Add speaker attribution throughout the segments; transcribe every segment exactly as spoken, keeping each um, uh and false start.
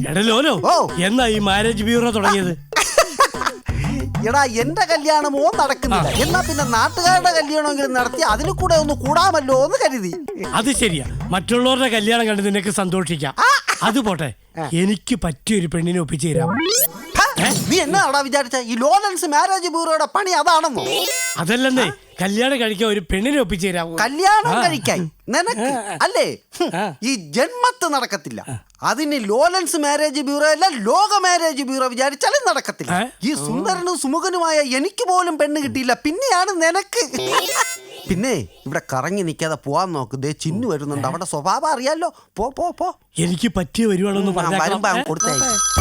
Speaker 1: എടലോലോ എന്നാ ഈ marriage bureau തുടങ്ങിയത്?
Speaker 2: എടാ എന്റെ കല്യാണമോ നടക്കുന്നില്ല, എന്നാ പിന്നെ നാട്ടുകാരുടെ കല്യാണമെങ്കിലും നടത്തി അതിൽ കൂടെ ഒന്ന് കൂടാമല്ലോ എന്ന് കരുതി.
Speaker 1: അത് ശരിയാ, മറ്റുള്ളവരുടെ കല്യാണം കണ്ട് നിനക്ക് സന്തോഷിക്കാം. അത് പോട്ടെ, എനിക്ക് പറ്റിയൊരു പെണ്ണിനെ ഒപ്പിച്ചു തരാം.
Speaker 2: നീ എന്നാടാ വിചാരിച്ച ഈ ലോറൻസ് മാരേജ് ബ്യൂറോയുടെ പണി അതാണെന്നോ?
Speaker 1: അതല്ലെന്നേ, കല്യാണം കഴിക്കാൻ ഒരു പെണ്ണിനെ ഒപ്പിച്ചു തരാം.
Speaker 2: കല്യാണം കഴിക്കാൻ നിനക്ക് അല്ലേ? ഈ ജന്മത്ത് നടക്കത്തില്ല. അതിന് ലോറൻസ് മാരേജ് ബ്യൂറോ അല്ല, ലോക മാരേജ് ബ്യൂറോ വിചാരിച്ചാലും നടക്കത്തില്ല. ഈ സുന്ദരനും സുമുഖനുമായ എനിക്ക് പോലും പെണ്ണ് കിട്ടിയില്ല, പിന്നെയാണ് നിനക്ക്. പിന്നെ ഇവിടെ കറങ്ങി നിൽക്കാതെ പോവാൻ നോക്ക്. ദേ ചിന്നു വരുന്നുണ്ട്, അവിടെ സ്വഭാവം അറിയാലോ. പോ പോ പോ
Speaker 1: എനിക്ക് പറ്റിയ വരുവാണെന്ന്
Speaker 2: വരുമ്പോ അവൻ കൊടുത്തേ.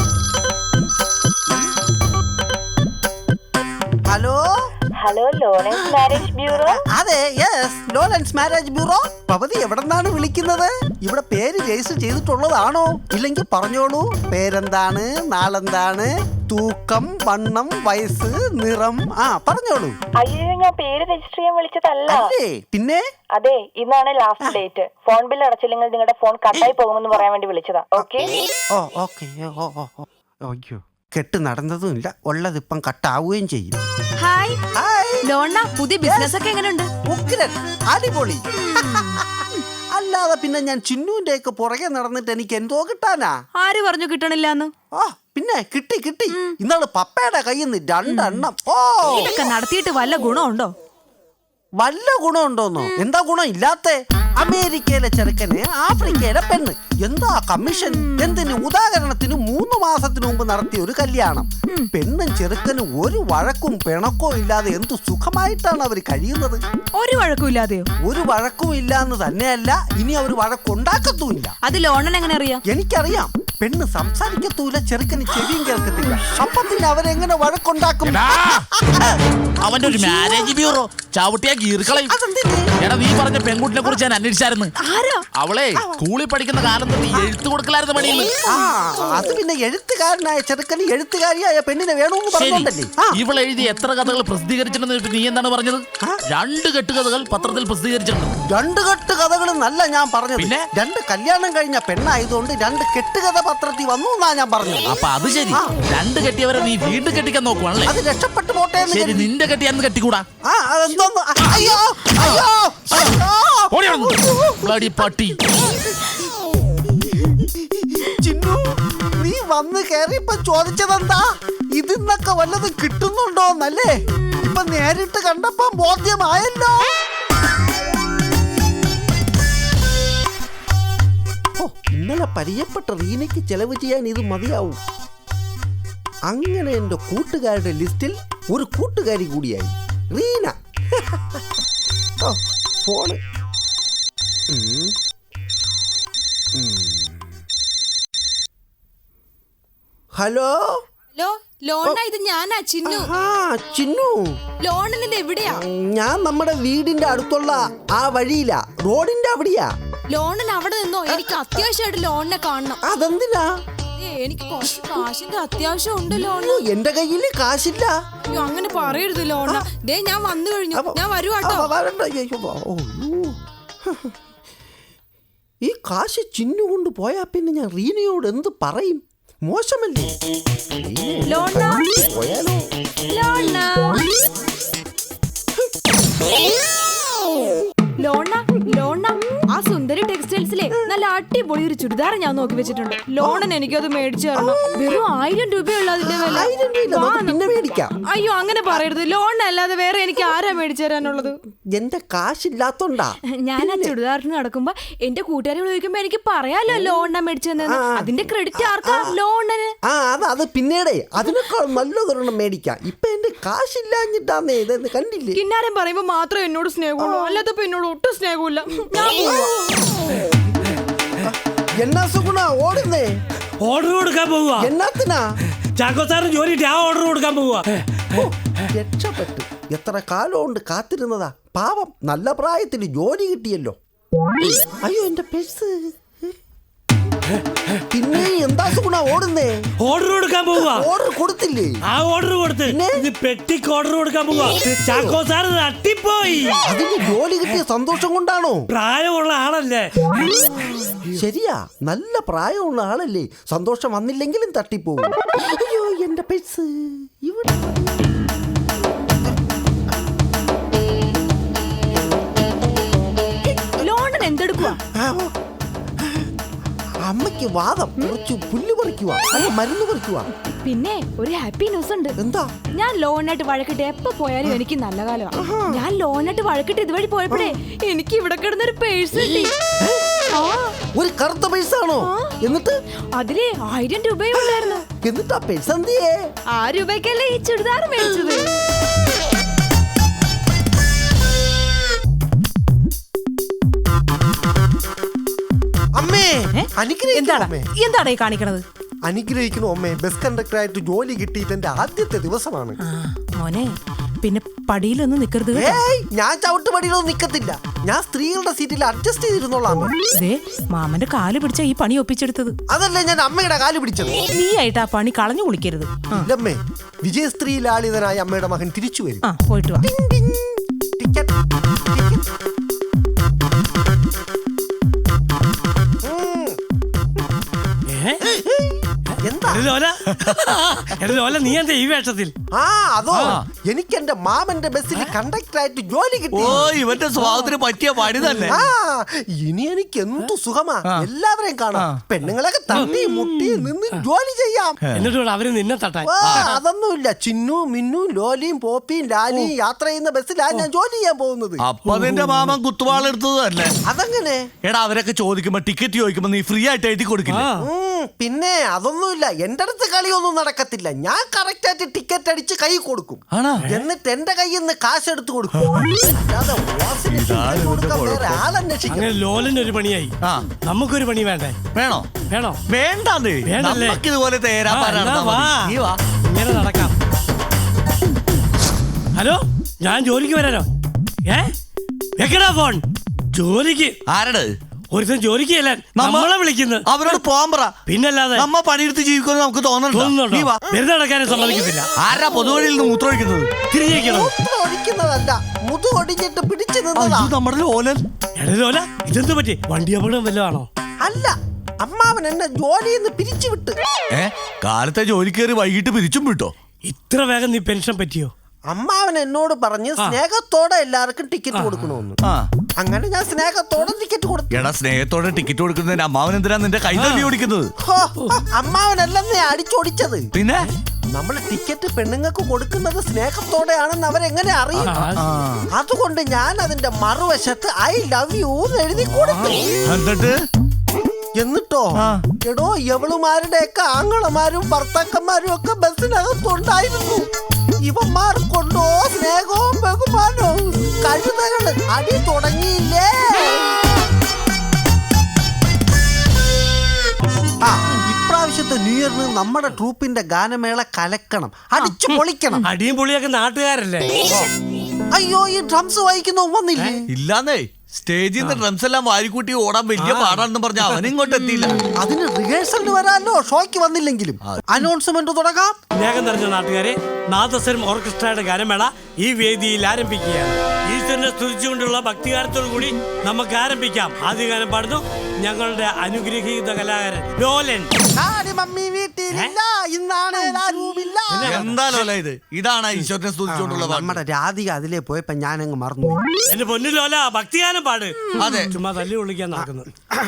Speaker 2: Hello
Speaker 3: hello, Lawrence marriage bureau?
Speaker 2: അതെ, യെസ്, ലോറൻസ് മാരേജ് ബ്യൂറോ. പവതി എവിടെ നിന്നാണ് വിളിക്കുന്നത്? ഇവിടെ പേര് രജിസ്റ്റർ ചെയ്തിട്ടുള്ളതാണോ? ഇല്ലെങ്കിൽ പറഞ്ഞോളൂ. പേരെന്താണ്, നാളെന്താണ്, തൂക്കം, വണ്ണം, വയസ്സ്, നിറം, ആ പറഞ്ഞോളൂ.
Speaker 3: അയ്യോ, ഞാൻ പേര് രജിസ്റ്റർ ചെയ്യാൻ വിളിച്ചതല്ല.
Speaker 2: പിന്നെ?
Speaker 3: അതെ, ഇന്നാണ് ലാസ്റ്റ് ഡേറ്റ്. ഫോൺ ബിൽ അടച്ചില്ലെങ്കിൽ നിങ്ങളുടെ ഫോൺ കട്ടായി പോകുമെന്ന് പറയാൻ വേണ്ടി വിളിച്ചതാ. ഓക്കെ?
Speaker 2: ഓ ഓക്കെ. ഓ ഓ ഓ അയ്യോ, കെട്ട് നടന്നതും ഇല്ല, ഉള്ളത് ഇപ്പം കട്ടാവുകയും ചെയ്യും.
Speaker 4: ഹായ് ഹായ് ലോണ, പുതിയ ബിസിനസ് ഒക്കെ എങ്ങനെയുണ്ട്?
Speaker 2: ഉഗ്രൻ, അടിപൊളി. അല്ലാതെ പിന്നെ ഞാൻ ചിന്നുവിന്റെ ഒക്കെ പുറകെ നടന്നിട്ട് എനിക്ക് എന്തോ കിട്ടാനാ?
Speaker 4: ആര് പറഞ്ഞു കിട്ടണില്ലാന്ന്?
Speaker 2: ആ പിന്നെ കിട്ടി കിട്ടി. ഇന്നാള് പപ്പയുടെ കയ്യിൽ നിന്ന് രണ്ടെണ്ണം. ഓ,
Speaker 4: ഇതൊക്കെ നടത്തിയിട്ട് വല്ല ഗുണമുണ്ടോ?
Speaker 2: വല്ല ഗുണമുണ്ടോന്നോ? എന്താ ഗുണം ഇല്ലാത്ത? അമേരിക്കയിലെ ചെറുക്കന് ആഫ്രിക്കയിലെ പെണ്ണ്, എന്താ കമ്മീഷൻ? എന്തിന്? ഉദാഹരണത്തിന് മൂന്ന് മാസത്തിന് മുമ്പ് നടത്തിയ ഒരു കല്യാണം. പെണ്ണും ചെറുക്കനും ഒരു വഴക്കും പിണക്കോ ഇല്ലാതെ എന്തു സുഖമായിട്ടാണ് അവർ കഴിയുന്നത്.
Speaker 4: ഒരു വഴക്കും ഇല്ലാതെയോ?
Speaker 2: ഒരു വഴക്കും ഇല്ലാന്ന് തന്നെയല്ല, ഇനി അവർ വഴക്കുണ്ടാക്കത്തുമില്ല.
Speaker 4: അത് ലോണൻ എങ്ങനെ അറിയാം?
Speaker 2: എനിക്കറിയാം. പെണ്ണ് സംസാരിക്കത്തൂല, ചെറുക്കന് ചെവിയും കേൾക്കത്തില്ല. അപ്പൊ പിന്നെ അവരെങ്ങനെ വഴക്കുണ്ടാക്കും?
Speaker 5: അവന്റെ ഒരു മാരേജ് ബ്യൂറോ ചവിട്ടിയാ ഗീർക്കളയും. എടാ, നീ പറഞ്ഞ പെൺകുട്ടിനെ കുറിച്ച് ഞാൻ അന്വേഷിച്ചായിരുന്നു. അവളെ സ്കൂളിൽ പഠിക്കുന്ന കാലം തൊട്ട് എഴുത്തു കൊടുക്കലായിരുന്നു പണിയിൽ.
Speaker 2: അത് പിന്നെ എഴുത്തുകാരനായ ചെറുക്കന് എഴുത്തുകാരിയായ പെണ്ണിനെ വേണമെന്ന് പറഞ്ഞോണ്ടല്ലേ.
Speaker 5: ഇവൾ എഴുതി എത്ര കഥകൾ പ്രസിദ്ധീകരിച്ചിട്ടുണ്ടെന്ന് നീ എന്താണ് പറഞ്ഞത്? രണ്ട് കെട്ടുകഥകൾ പത്രത്തിൽ പ്രസിദ്ധീകരിച്ചിട്ടുണ്ട്.
Speaker 2: രണ്ട് കെട്ട് കഥകൾ നല്ല ഞാൻ പറഞ്ഞത്. പിന്നെ രണ്ട് കല്യാണം കഴിഞ്ഞ പെണ്ണായതുകൊണ്ട് രണ്ട് കെട്ടുകഥ പത്രത്തിൽ വന്നു എന്നാ ഞാൻ പറഞ്ഞത്.
Speaker 5: അപ്പൊ അത് ശരി, രണ്ട് കെട്ടിയവരെ നീ വീണ്ടും കെട്ടിക്കാൻ നോക്കുവാണല്ലേ?
Speaker 2: അത് രക്ഷപ്പെട്ടു പോട്ടെ.
Speaker 5: ശരി, നിന്റെ കെട്ടിയാന്ന് കെട്ടിക്കൂടാ?
Speaker 2: അയ്യോ
Speaker 5: പട്ടി.
Speaker 2: ചിന്നു, നീ വന്ന് കേറിയപ്പോ ചോദിച്ചതെന്താ? ഇതിന്നൊക്കെ വല്ലതും കിട്ടുന്നുണ്ടോന്നല്ലേ? ഇപ്പൊ നേരിട്ട് കണ്ടപ്പോ ബോധ്യമായല്ലോ. ഇന്നലെ പരിചയപ്പെട്ട റീനയ്ക്ക് ചെലവ് ചെയ്യാൻ ഇത് മതിയാവും. അങ്ങനെ എന്റെ കൂട്ടുകാരുടെ ലിസ്റ്റിൽ ഒരു കൂട്ടുകാരി കൂടിയായി റീന. ഫോണ്. ഹലോ
Speaker 6: ഹലോ ലോണ, ഇത് ഞാനാ ചിന്നു.
Speaker 2: ചിന്നു,
Speaker 6: ലോണൻ ഇത് എവിടെയാ?
Speaker 2: ഞാൻ നമ്മുടെ വീടിന്റെ അടുത്തുള്ള ആ വഴിയിലാ, റോഡിന്റെ അവിടെയാ.
Speaker 6: ലോണൻ അവിടെ നിന്നോ? എനിക്ക് അത്യാവശ്യമായിട്ട് ലോണിനെ കാണണം.
Speaker 2: അതെന്തിനാ?
Speaker 6: എനിക്ക് കുറച്ച് കാശിന്റെ അത്യാവശ്യം ഉണ്ട് ലോണ.
Speaker 2: എന്റെ കയ്യില് കാശില്ല.
Speaker 6: അങ്ങനെ പറയരുത് ലോണ. ദേ ഞാൻ വന്നു കഴിഞ്ഞു, ഞാൻ വരുവാട്ടോ.
Speaker 2: ഈ കാശ് ചിന്നു കൊണ്ട് പോയാ പിന്നെ ഞാൻ റീനയോട് എന്ത് പറയും? മോശമല്ലേ? പോയാലോ?
Speaker 4: ലോണ ലോണ, ആ സുന്ദരി ടെക്സ്റ്റൈൽസിലെ നല്ല അടിപൊളി ഒരു ചുരിദാർ ഞാൻ നോക്കി വെച്ചിട്ടുണ്ട്. ലോണൻ എനിക്കത് മേടിച്ചു തരണം. വെറും ആയിരം രൂപയുള്ള അതിന്റെ വില. അയ്യോ, അങ്ങനെ പറയരുത്. ലോൺ അല്ലാതെ വേറെ എനിക്ക് ആരാ മേടിച്ചു തരാനുള്ളത്?
Speaker 2: എന്റെ കാശില്ലാത്തോണ്ടാ.
Speaker 4: ഞാൻ ആ ചുരിദാറിന് നടക്കുമ്പോ എന്റെ കൂട്ടുകാരികൾ ചോദിക്കുമ്പോ എനിക്ക് പറയാലോ ലോണ മേടിച്ചു തന്നെ. അതിന്റെ ക്രെഡിറ്റ് ആർക്കാ? ലോണന്.
Speaker 2: ആ അത് അത് പിന്നീടേ അതിനേക്കാൾ നല്ലതൊരെണ്ണം മേടിക്കാം. ഇപ്പൊ എന്റെ കാശില്ലാഞ്ഞിട്ടാന്നേ ഇതെന്ന് കണ്ടില്ലേ?
Speaker 4: കിന്നാരം പറയുമ്പോ മാത്രം എന്നോട് സ്നേഹമുള്ളൂ, അല്ലാത്തപ്പോ എന്നോട് ഒട്ടും സ്നേഹമില്ല.
Speaker 2: എന്നാ സുഗുണ ഓടുന്നേ?
Speaker 1: ഓർഡർ കൊടുക്കാൻ പോവുക.
Speaker 2: എന്നാത്തിനാ?
Speaker 1: ചാക്കോ സാറിന് ജോലി ആ ഓർഡർ കൊടുക്കാൻ പോവുക.
Speaker 2: രക്ഷപ്പെട്ടു. എത്ര കാലം കൊണ്ട് കാത്തിരുന്നതാ. പാവം, നല്ല പ്രായത്തിൽ ജോലി കിട്ടിയല്ലോ. അയ്യോ, എന്റെ പേഴ്സ്. പിന്നെ എന്താ സുഗുണ ഓടുന്നേ?
Speaker 1: ഓർഡർ കൊടുക്കാൻ പോവുക.
Speaker 2: ഓർഡർ കൊടുത്തില്ലേ?
Speaker 1: ആ ഓർഡർ കൊടുത്ത് ഇത് പെട്ടിക്ക് ഓർഡർ കൊടുക്കാൻ പോവുക. ചാക്കോ സാർ തട്ടിപ്പോയി.
Speaker 2: അതിന് ജോലി കിട്ടിയ സന്തോഷം കൊണ്ടാണോ?
Speaker 1: പ്രായമുള്ള ആളല്ലേ?
Speaker 2: ശരിയാ, നല്ല പ്രായമുള്ള ആളല്ലേ. സന്തോഷം വന്നില്ലെങ്കിലും തട്ടിപ്പോവും. അയ്യോ എന്റെ പേഴ്സ് ഇവിടെ.
Speaker 4: ലോണൻ എന്തെടുക്കുക?
Speaker 2: അമ്മയ്ക്ക് വാദം, കുറച്ച് പുല്ല് പറിക്കുക, മരുന്ന് പറിക്കുക.
Speaker 4: പിന്നെ ഒരു ഹാപ്പി ന്യൂസ് ഉണ്ട്.
Speaker 2: എന്താ?
Speaker 4: ഞാൻ ലോണായിട്ട് വഴക്കിട്ട് എപ്പോ പോയാലും എനിക്ക് നല്ല കാലമാണ്. ഞാൻ ലോണായിട്ട് വഴക്കിട്ട് ഇതുവഴി പോയപ്പോഴേ എനിക്ക് ഇവിടെ കിടന്നൊരു പേഴ്സ് കിട്ടി. ആ,
Speaker 2: ഒരു കറുത്ത പേഴ്സാണോ? എന്നിട്ട്
Speaker 4: അതില് ആയിരം രൂപയും ഉണ്ടായിരുന്നു.
Speaker 2: എന്നിട്ട് ആ പേഴ്സ് എന്തിയേ?
Speaker 4: ആ രൂപയ്ക്കല്ലേ ഈ ചുരിദാർ മേടിച്ചത്.
Speaker 2: അമ്മേ അനുഗ്രഹിക്കണം അമ്മേ.
Speaker 6: എന്താണ് ഈ കാണിക്കണത്?
Speaker 2: അനുഗ്രഹിക്കണോ അമ്മേ? ബസ് കണ്ടക്ടറായിട്ട് ജോലി കിട്ടിയിട്ട് എന്റെ ആദ്യത്തെ ദിവസമാണ്.
Speaker 6: മോനെ പിന്നെ പടിയിലൊന്നും നിക്കരുത് കേട്ടോ.
Speaker 2: ഏയ്, ഞാൻ ചവിട്ടുപടിയിലൊന്നും നിക്കത്തില്ല. ഞാൻ സ്ത്രീകളുടെ സീറ്റിൽ അഡ്ജസ്റ്റ് ചെയ്തിരുന്നോളാം.
Speaker 6: ദേ മാമന്റെ കാല് പിടിച്ച ഈ പണി ഒപ്പിച്ചെടുത്തത്.
Speaker 2: അതല്ലേ ഞാൻ അമ്മയുടെ കാല് പിടിച്ചത്.
Speaker 6: നീ ആയിട്ട് ആ പണി കളഞ്ഞു കുളിക്കരുത്. ആ,
Speaker 2: ഇല്ലമ്മേ, വിജയസ്ത്രീ ലാളിതനായ അമ്മയുടെ മകൻ തിരിച്ചു വരും.
Speaker 6: ആ പോയിട്ട് വാ.
Speaker 2: Ticket, ticket. എന്താ?
Speaker 1: എടാ ലോല, എടാ ലോല, നീ എന്താ ഈ വേഷത്തിൽ?
Speaker 2: ആ അതോ, എനിക്ക് എന്റെ മാമന്റെ ബസ്സിൽ കണ്ടക്ടറായിട്ട് ജോലി കിട്ടി.
Speaker 5: ഓ ഇവന്റെ സ്വഭാവത്തിന് പറ്റിയ പണി തന്നെ.
Speaker 2: ആ ഇനി എനിക്ക് എന്തു സുഖമാ. എല്ലാവരെയും കാണാം, പെണ്ണുങ്ങളൊക്കെ തട്ടി മുട്ടി നിന്ന് ജോലി ചെയ്യാം.
Speaker 1: എന്നിട്ട് വേണം അവര് നിന്നെ തട്ടാൻ.
Speaker 2: ആ, അതൊന്നുമില്ല. ചിന്നു മിന്നു ലോലിയും പോപ്പിയും ലാലിയും യാത്ര ചെയ്യുന്ന ബസ്സിലാണ് ഞാൻ ജോലി ചെയ്യാൻ പോകുന്നത്.
Speaker 5: അപ്പൊ നിന്റെ മാമൻ കുത്തുവാളെടുത്തത് തന്നെ.
Speaker 2: അതെങ്ങനെ?
Speaker 5: എടാ അവരൊക്കെ ചോദിക്കുമ്പോ ടിക്കറ്റ് ചോദിക്കുമ്പോ നീ ഫ്രീ ആയിട്ട് എഴുതി കൊടുക്കില്ല.
Speaker 2: ഉം, പിന്നെ അതൊന്നുമില്ല. എന്റെ അടുത്ത് കളിയൊന്നും നടക്കത്തില്ല. ഞാൻ കറക്റ്റ് ആയിട്ട് ടിക്കറ്റ് അടിച്ച് കൈ കൊടുക്കും.
Speaker 5: ആണോ?
Speaker 2: എന്നിട്ട് എന്റെ കയ്യിൽ നിന്ന് കാശ് എടുത്ത് കൊടുക്കും. അല്ലാതെ ഓസിന് ടിക്കറ്റ് കൊടുക്കാൻ വേറെ ആളന്വേഷിക്കണം.
Speaker 1: അങ്ങനെ ലോലന് ഒരു പണിയായി.
Speaker 5: ആ.
Speaker 1: നമുക്കൊരു പണി വേണ്ടേ?
Speaker 5: വേണോ?
Speaker 1: വേണോ?
Speaker 5: വേണ്ടേ?
Speaker 1: വേണ്ടല്ലേ?
Speaker 5: നമുക്ക് ഇതുപോലെ തേരാ
Speaker 1: ആ,
Speaker 5: പാരാ
Speaker 1: എന്നാ
Speaker 5: നടന്നാ
Speaker 1: വാ.
Speaker 5: മതി. നീ വാ.
Speaker 1: ഇങ്ങനെ നടക്കാം. ഹലോ, ഞാൻ ജോലിക്ക് വരാനോ? ഏ വെക്കടാ ഫോൺ. ജോലിക്ക്
Speaker 5: ആരട്?
Speaker 1: ഒരുത്തൻ ജോലിക്ക് ചെല്ലാൻ നമ്മളെ വിളിക്കുന്നത്.
Speaker 5: അവരോട് പോകാൻ പറ.
Speaker 1: പിന്നല്ലാതെ
Speaker 5: നമ്മ പണിയെടുത്ത് ജീവിക്കുമെന്ന് നമുക്ക് തോന്നുന്നുണ്ടോ?
Speaker 1: തോന്നുന്നുണ്ടോ?
Speaker 5: നീ വാ.
Speaker 1: വെറുതെ നടക്കാനും സമ്മതിക്കത്തില്ല.
Speaker 5: ആരാ പൊതുവഴിയിൽ നിന്ന് മൂത്രമൊഴിക്കുന്നത്?
Speaker 1: തിരിഞ്ഞേക്കണോ?
Speaker 2: മൂത്രം ഒഴിക്കുന്നതല്ല, മുതു ഒടിഞ്ഞിട്ട് പിടിച്ചു നിന്നതാ.
Speaker 5: അയ്യോ, നമ്മുടെ ലോലൻ.
Speaker 1: എടാ ലോല, ഇതെന്ത് പറ്റി? വണ്ടി അപകടം വല്ലതാണോ?
Speaker 2: അല്ല, അമ്മാവൻ എന്നെ ജോലിയിൽ നിന്ന് പിരിച്ചു വിട്ട്.
Speaker 5: ഏ കാലത്തെ ജോലി കയറി വൈകിട്ട് പിരിച്ചും വിട്ടോ?
Speaker 1: ഇത്ര വേഗം നീ പെൻഷൻ പറ്റിയോ?
Speaker 2: അമ്മാവൻ എന്നോട് പറഞ്ഞ് സ്നേഹത്തോടെ എല്ലാവർക്കും ടിക്കറ്റ് കൊടുക്കണമെന്ന്.
Speaker 5: ആ
Speaker 2: അങ്ങനെ ഞാൻ സ്നേഹത്തോടെ ടിക്കറ്റ് കൊടുത്തു.
Speaker 5: എടാ സ്നേഹത്തോടെ ടിക്കറ്റ് കൊടുക്കുന്നതിന് അമ്മാവൻ എന്തിനാ നിന്റെ കൈ തല്ലി ഓടിക്കുന്നത്?
Speaker 2: ഹോ, അമ്മാവനല്ലെന്നേ അടിച്ചോടിച്ചത്.
Speaker 5: പിന്നെ
Speaker 2: നമ്മൾ ടിക്കറ്റ് പെണ്ണുങ്ങൾക്ക് കൊടുക്കുന്നത് സ്നേഹത്തോടെയാണെന്ന് അവരെങ്ങനെ അറിയും? അതുകൊണ്ട് ഞാൻ അതിന്റെ മറുവശത്ത് ഐ ലവ് യു എന്ന് എഴുതി കൊടുത്തു.
Speaker 5: എന്നിട്ട്
Speaker 2: എന്നിട്ടോ എടോ, എവളുമാരുടെയൊക്കെ ആങ്ങളമാരും ഭർത്താക്കന്മാരും ഒക്കെ ബസ്സിനകത്തുണ്ടായിരുന്നു. ഇവന്മാർക്കൊണ്ടോ സ്നേഹവും ബഹുമാനവും. കഴുതകള് അടി തുടങ്ങിയില്ലേ? ആ ഇപ്രാവശ്യത്തെ ന്യൂ ഇയറിന് നമ്മുടെ ട്രൂപ്പിന്റെ ഗാനമേള കലക്കണം, അടിച്ചു പൊളിക്കണം.
Speaker 1: അടിയും പൊളിയൊക്കെ നാട്ടുകാരല്ലേ?
Speaker 2: അയ്യോ, ഈ ഡ്രംസ് വായിക്കുന്ന വന്നില്ലേ?
Speaker 5: ഇല്ലാന്നേ, സ്റ്റേജിൽ നിന്ന് ഡ്രംസ് എല്ലാം വാരിക്കൂട്ടി ഓടാൻ വലിയ പാടാണെന്ന് പറഞ്ഞ അവൻ ഇങ്ങോട്ട് എത്തിയില്ല.
Speaker 2: അതിന് റിഹേഴ്സലിന് വരാല്ലോ, ഷോയ്ക്ക് വന്നില്ലെങ്കിലും. അനൗൺസ്മെന്റ് തുടങ്ങാം.
Speaker 1: സ്നേഹം നിറഞ്ഞ നാട്ടുകാരെ, നാദസ്വരം ഓർക്കസ്ട്രയുടെ ഗാനമേള ഈ വേദിയിൽ ആരംഭിക്കുകയാണ്. ഈശ്വരനെ സ്തുതിച്ചുകൊണ്ടുള്ള ഭക്തികാരത്തോടു കൂടി നമുക്ക് ആരംഭിക്കാം. ആദ്യ ഗാനം പാടുന്നു ഞങ്ങളുടെ അനുഗ്രഹീത കലാകാരൻ ലോലൻ.
Speaker 2: ആടി മമ്മി വീട്ടിലില്ല, ഇന്നാണ് ആരുമില്ല.
Speaker 5: എന്താ ലോല ഇത്? ഇതാണ് ഈശ്വരനെ സ്തുതിച്ചുകൊണ്ടുള്ള പാട്ട്.
Speaker 2: നമ്മുടെ രാധിക അതിലേ പോയപ്പോ ഞാനങ്ങ് മറന്നുപോയി.
Speaker 1: എന്റെ പൊന്നു ലോല, ഭക്തിഗാനം പാട്.
Speaker 5: അതെ.
Speaker 1: ചുമ്മാ തല്ലി വിളിക്കാൻ നടക്കുന്നു.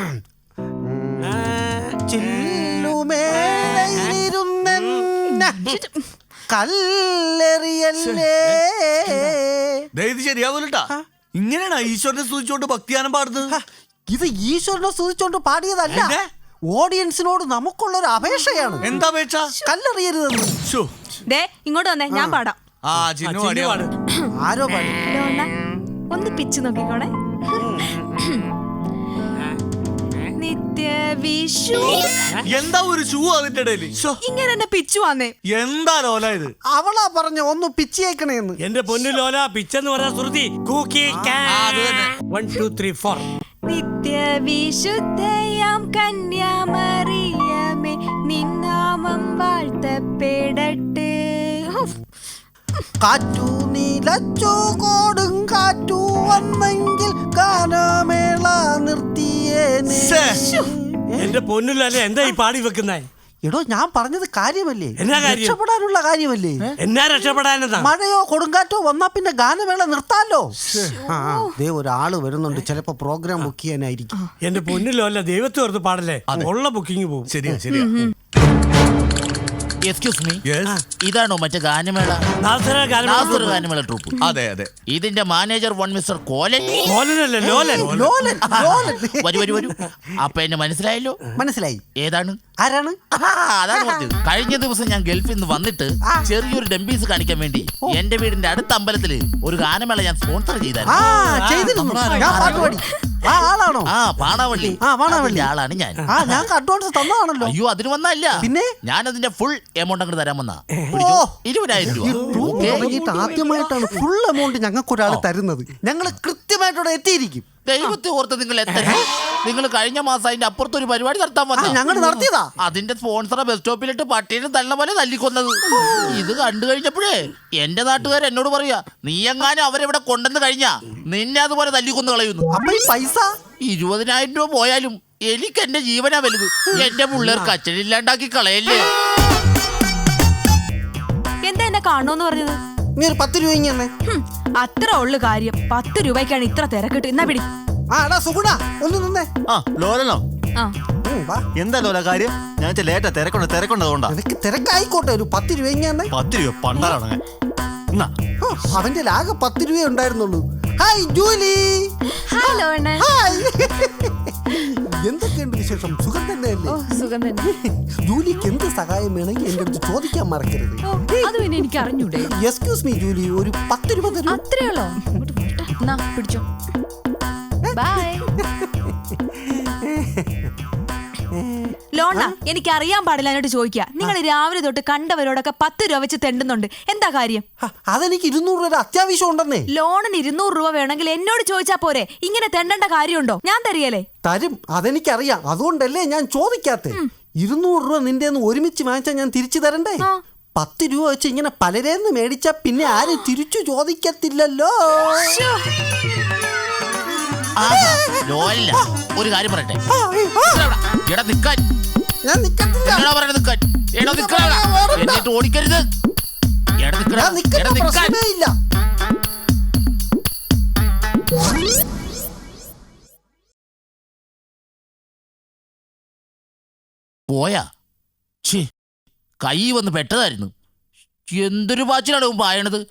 Speaker 2: കല്ലെറിയല്ലേ.
Speaker 5: ദേ, ഇത് ശരിയാവൂലട്ടാ. ഇങ്ങനെയാണോ ഈശ്വരനെ സ്തുതിച്ചുകൊണ്ട് ഭക്തിഗാനം പാടുന്നത്?
Speaker 2: ഇത് ഈശ്വരനെ സ്തുതിച്ചോണ്ട് പാടിയതല്ല,
Speaker 5: എന്തേ?
Speaker 2: ഓഡിയൻസിനോട് നമുക്കുള്ളൊരു അപേക്ഷയാണ്.
Speaker 5: എന്താ അപേക്ഷ?
Speaker 2: കല്ലെറിയരുതെന്ന്.
Speaker 5: ശ്ശോ.
Speaker 4: ദേ ഇങ്ങോട്ട് വന്നേ, ഞാൻ പാടാം.
Speaker 5: ആ ചിന്നു
Speaker 1: ചിന്നു പാട്.
Speaker 2: ആരോ പാടി?
Speaker 4: ലോണ ഒന്ന് പിച്ച് നോക്കിക്കോണേ. നിത്യ വിഷു.
Speaker 5: എന്താ ഒരു ഷൂ അതിന്റെ ഇടയില്? ശ്ശോ.
Speaker 4: ഇങ്ങനെ എന്നെ പിച്ചു വന്നേ.
Speaker 5: എന്താ ലോല ഇത്?
Speaker 2: അവളാ പറഞ്ഞ ഒന്ന് പിച്ചേക്കണേന്ന്.
Speaker 1: എന്റെ പൊന്നു ലോല, പിച്ചെന്ന് പറഞ്ഞ ശ്രുതി. കൂക്കി
Speaker 5: ആ, അത് തന്നെ.
Speaker 1: One two three four.
Speaker 4: നിത്യവിശുദ്ധയാം കന്യാമറിയമേ നിന്നാമം വാഴ്ത്തപ്പെടട്ടെ.
Speaker 2: കാറ്റു നീലച്ചു കോടും കാറ്റു വന്നെങ്കിൽ ഗാനമേള നിർത്തിയേനെ.
Speaker 1: എന്റെ പൊന്നിലല്ലേ എന്താ ഈ പാടി വെക്കുന്നേ?
Speaker 2: എടോ ഞാൻ പറഞ്ഞത് കാര്യമല്ലേ,
Speaker 1: എന്നാ കാര്യം?
Speaker 2: രക്ഷപ്പെടാനുള്ള കാര്യമല്ലേ.
Speaker 1: എന്നാ രക്ഷപ്പെടാനെന്നാ?
Speaker 2: മഴയോ കൊടുങ്കാറ്റോ വന്നാ പിന്നെ ഗാനമേള നിർത്താലോ. ആ ദേ ഒരാള് വരുന്നുണ്ട്, ചിലപ്പോ പ്രോഗ്രാം ബുക്ക് ചെയ്യാനായിരിക്കും.
Speaker 1: എന്റെ പൊന്നിലോ അല്ല, ദൈവത്തെ ഓർത്ത് പാടല്ലേ, ഉള്ള ബുക്കിംഗ് പോകും.
Speaker 7: ശരിയാ ശരിയാ.
Speaker 5: എക്സ്ക്യൂസ് മീ, ഇതാണോ മറ്റേ ഗാനമേള?
Speaker 1: നാസർ ഗാനമേള
Speaker 5: നാസർ ഗാനമേള ട്രൂപ്പ്.
Speaker 7: അതെ അതെ.
Speaker 5: ഇതിന്റെ മാനേജർ വൺ മിസ്റ്റർ കോലൻ.
Speaker 1: ലോലനല്ലേ, ലോലൻ.
Speaker 2: ലോലൻ, ലോലൻ.
Speaker 5: വരൂ വരൂ വരൂ. അപ്പൊ എന്നെ മനസ്സിലായല്ലോ.
Speaker 2: മനസ്സിലായി.
Speaker 5: ഏതാണ്?
Speaker 2: ആരാണ്?
Speaker 5: ആഹാ, അതാണ് പറഞ്ഞത്. കഴിഞ്ഞ ദിവസം ഞാൻ ഗൾഫിൽ നിന്ന് വന്നിട്ട് ചെറിയൊരു ഡംബീസ് കാണിക്കാൻ വേണ്ടി എന്റെ വീടിന്റെ അടുത്ത അമ്പലത്തില് ഒരു ഗാനമേള ഞാൻ സ്പോൺസർ
Speaker 2: ആ
Speaker 5: ചെയ്തായിരുന്നു.
Speaker 2: ചെയ്തിരുന്നു. ഞാൻ പാട്ട് പാടി. ആ ആളാണോ?
Speaker 5: ആ പാണാവള്ളി.
Speaker 2: ആ, പാണാവള്ളി.
Speaker 5: അതിന്റെ ആളാണ് ഞാൻ.
Speaker 2: ആ ഞങ്ങൾക്ക് അഡ്വാൻസ് തന്നതാണല്ലോ.
Speaker 5: അയ്യോ അതിന് വന്നല്ല,
Speaker 2: പിന്നെ?
Speaker 5: ഞാൻ അതിന്റെ ഫുൾ എമൗണ്ട് അങ്ങോട്ട് തരാൻ വന്നാ.
Speaker 2: ഓ.
Speaker 5: ഇരുപതിനായിരം രൂപ.
Speaker 2: ട്രൂപ്പ് തുടങ്ങിയിട്ട് ആദ്യമായിട്ടാണ് ഫുൾ എമൗണ്ട് ഞങ്ങൾക്ക് ഒരാൾ തരുന്നത്. ഞങ്ങൾ കൃത്യമായിട്ടവിടെ എത്തിയിരിക്കും.
Speaker 5: ദൈവത്തെ ഓർത്ത് നിങ്ങൾ എത്ര നിങ്ങൾ കഴിഞ്ഞ മാസം അതിന്റെ അപ്പുറത്ത് ഒരു പരിപാടി നടത്താൻ വന്ന
Speaker 2: ഞങ്ങൾ നടത്തിയതാ.
Speaker 5: അതിന്റെ സ്പോൺസറെ ബസ് സ്റ്റോപ്പിലിട്ട് പട്ടീനെ തള്ള പോലെ തല്ലിക്കൊന്നത്. ഇത് കണ്ടു കഴിഞ്ഞപ്പോഴേ എന്റെ നാട്ടുകാർ എന്നോട് പറയാ, നീ എങ്ങാനും അവരെവിടെ കൊണ്ടെന്ന് കഴിഞ്ഞാ നിന്നെ അതുപോലെ തല്ലിക്കൊന്ന് കളയുന്നു.
Speaker 2: അപ്പൊ ഈ പൈസ
Speaker 5: ഇരുപതിനായിരം രൂപ പോയാലും എനിക്ക് എന്റെ ജീവനാ വലുത്. എന്റെ പിള്ളേർക്ക് അച്ഛനില്ലാണ്ടാക്കി കളയല്ലേ.
Speaker 4: എന്താ എന്നെ കാണുമെന്ന് പറഞ്ഞത്?
Speaker 2: നീ ഒരു പത്ത് രൂപ ഇങ്ങനെ.
Speaker 4: ഹും, അത്ര ഉള്ളു കാര്യം. പത്ത് രൂപയ്ക്കാണ് ഇത്ര തിരക്കിട്ട്. എന്നാ പിടി.
Speaker 2: ആ എടാ സുഗുണ ഒന്ന് നിന്നേ.
Speaker 7: ആ ലോലനോ?
Speaker 4: ആ
Speaker 2: ഉം, വാ.
Speaker 7: എന്താ ലോല കാര്യം? ഞാൻ ലേറ്റാ തിരക്കുണ്ട് തിരക്കുണ്ട് അതുകൊണ്ടാ.
Speaker 2: നിനക്ക് തിരക്കായിക്കോട്ടെ, ഒരു പത്ത് രൂപ ഇങ്ങനെ.
Speaker 7: പത്ത് രൂപ പണ്ടാറാണ്. എന്നാ
Speaker 2: ഓ, അവന്റെ ആകെ പത്ത് രൂപ ഉണ്ടായിരുന്നുള്ളൂ. Hi Julie.
Speaker 4: ഹലോ അണ്ണൻ.
Speaker 2: ഹായ്. എന്തൊക്കെയുണ്ട് വിശേഷം? സുഖം തന്നെയല്ലേ?
Speaker 4: ഓ സുഖം തന്നെ.
Speaker 2: ജൂലിക്ക് എന്ത് സഹായം വേണമെങ്കിൽ എന്റെ അടുത്ത് ചോദിക്കാൻ മറക്കരുത്.
Speaker 4: ഓ അത് പിന്നെ എനിക്ക് അറിഞ്ഞൂടെ.
Speaker 2: എക്സ്ക്യൂസ് മീ ജൂലി, ഒരു പത്ത് രൂപ തരൂ.
Speaker 4: അത്രയുള്ളോ? ഇങ്ങോട്ട് പോട്ടെ. എന്നാ പിടിച്ചോ. ബൈ. ലോണ എനിക്ക് അറിയാൻ പാടില്ല എന്നിട്ട് ചോദിക്കുക. നിങ്ങൾ രാവിലെ തൊട്ട് കണ്ടവരോടൊക്കെ പത്ത് രൂപ വെച്ച് തെണ്ടുന്നുണ്ട്. എന്താ കാര്യം?
Speaker 2: ഹ, അതെനിക്ക് ഇരുന്നൂറ് രൂപ അത്യാവശ്യം ഉണ്ടെന്നേ.
Speaker 4: ലോണിന് ഇരുന്നൂറ് രൂപ വേണമെങ്കിൽ എന്നോട് ചോദിച്ചാ പോരെ. ഇങ്ങനെ തെണ്ടേണ്ട കാര്യമുണ്ടോ? ഞാൻ തരികയല്ലേ.
Speaker 2: തരും, അതെനിക്കറിയാം. അതുകൊണ്ടല്ലേ ഞാൻ ചോദിക്കാത്തെ. ഇരുന്നൂറ് രൂപ നിന്റെ ഒരുമിച്ച് വാങ്ങിച്ചാൽ ഞാൻ തിരിച്ചു തരണ്ടേ?
Speaker 4: ആ.
Speaker 2: പത്ത് രൂപ വെച്ച് ഇങ്ങനെ പലരേന്ന് മേടിച്ചാ പിന്നെ ആരും തിരിച്ചു ചോദിക്കത്തില്ലല്ലോ.
Speaker 5: ലോലില്ല, ഒരു കാര്യം പറയട്ടെ.
Speaker 2: ആ, ആ,
Speaker 5: എടാ നിക്കാൻ.
Speaker 2: ഞാൻ നിക്കത്തില്ല.
Speaker 5: എന്നോടാ പറയണത് നിക്കാൻ. എടാ നിക്കാൻ. എന്നിട്ട് ഓടിക്കരുത്. എടാ നിക്കടാ.
Speaker 2: ഞാൻ നിക്കുന്ന
Speaker 5: എടാ നിക്കാൻ.
Speaker 2: പ്രശ്നമേ ഇല്ല.
Speaker 5: പോയാ ഛേ, കൈ വന്ന് പെട്ടതായിരുന്നു. എന്തൊരു പാച്ചിലാണ് ഇവൻ പായണത്.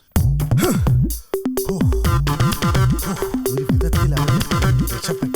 Speaker 2: ഒരു വിധത്തിലാണ് രക്ഷപ്പെട്ടു.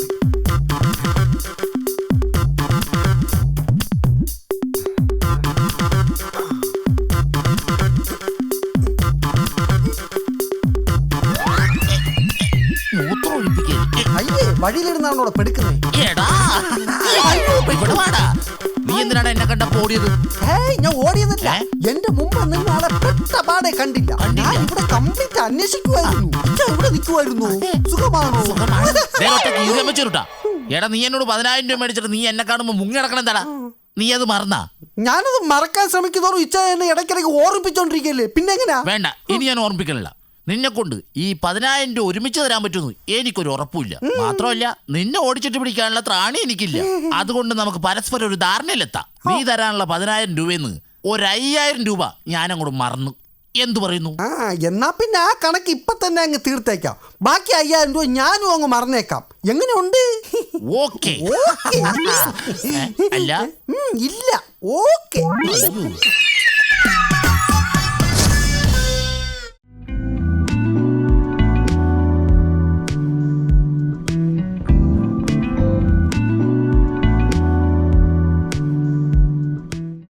Speaker 5: മൂത്രം ഒഴിപ്പിക്കരുത്.
Speaker 2: അയ്യേ, വഴിയിലിരുന്നാണോ അവിടെ പെടുക്കുന്നേ?
Speaker 5: എടാ ഇവിടെ വാടാ. നീ എന്തിനാണ് എന്നെ കണ്ടപ്പോ ഓടിയത്?
Speaker 2: ഹേയ്, ഞാൻ ഓടിയതല്ല.
Speaker 5: ഏ?
Speaker 2: എന്റെ മുമ്പ് നിന്ന് ആളെ പെട്ട പാടെ കണ്ടില്ല.
Speaker 5: കണ്ടില്ല?
Speaker 2: ഞാൻ ഇവിടെ കംപ്ലീറ്റ് അന്വേഷിക്കുമായിരുന്നു. ഞാൻ ഇവിടെ നിൽക്കുമായിരുന്നു. സുഖമാണോ?
Speaker 5: ദേ ഒറ്റ കീറിയം വെച്ചിട്ടാ. എടാ നീ എന്നോട് പതിനായിരം രൂപ മേടിച്ചിട്ട് നീ എന്നെ കാണുമ്പോ മുങ്ങി നടക്കണം എന്താടാ? നീ അത് മറന്നാ?
Speaker 2: ഞാനത് മറക്കാൻ ശ്രമിക്കുന്നതോറും ഇച്ച എന്നെ ഇടയ്ക്കിടയ്ക്ക് ഓർമ്മിപ്പിച്ചോണ്ടിരിക്കല്ലേ. പിന്നെ എങ്ങനെയാ?
Speaker 5: വേണ്ട, ഇനി ഞാൻ ഓർമ്മിക്കണില്ല. നിന്നെ കൊണ്ട് ഈ പതിനായിരം രൂപ ഒരുമിച്ച് തരാൻ പറ്റുമെന്ന് എനിക്കൊരു ഉറപ്പില്ല. മാത്രമല്ല നിന്നെ ഓടിച്ചിട്ട് പിടിക്കാനുള്ള ത്രാണി എനിക്കില്ല. അതുകൊണ്ട് നമുക്ക് പരസ്പരം ഒരു ധാരണയിലെത്താം. നീ തരാനുള്ള പതിനായിരം രൂപയെന്ന് ഒരു അയ്യായിരം രൂപ ഞാൻ അങ്ങോട്ട് മറന്നു. എന്തു പറയുന്നു?
Speaker 2: ആ എന്നാ പിന്നെ ആ കണക്ക് ഇപ്പൊ തന്നെ അങ്ങ് തീർത്തേക്കാം. ബാക്കി അയ്യായിരം രൂപ ഞാനും അങ്ങ് മറന്നേക്കാം. എങ്ങനെയുണ്ട്?
Speaker 5: ഓക്കെ.
Speaker 2: ഓക്കെ.
Speaker 5: അല്ല
Speaker 2: ഇല്ല, ഓക്കെ.
Speaker 5: അയ്യോ.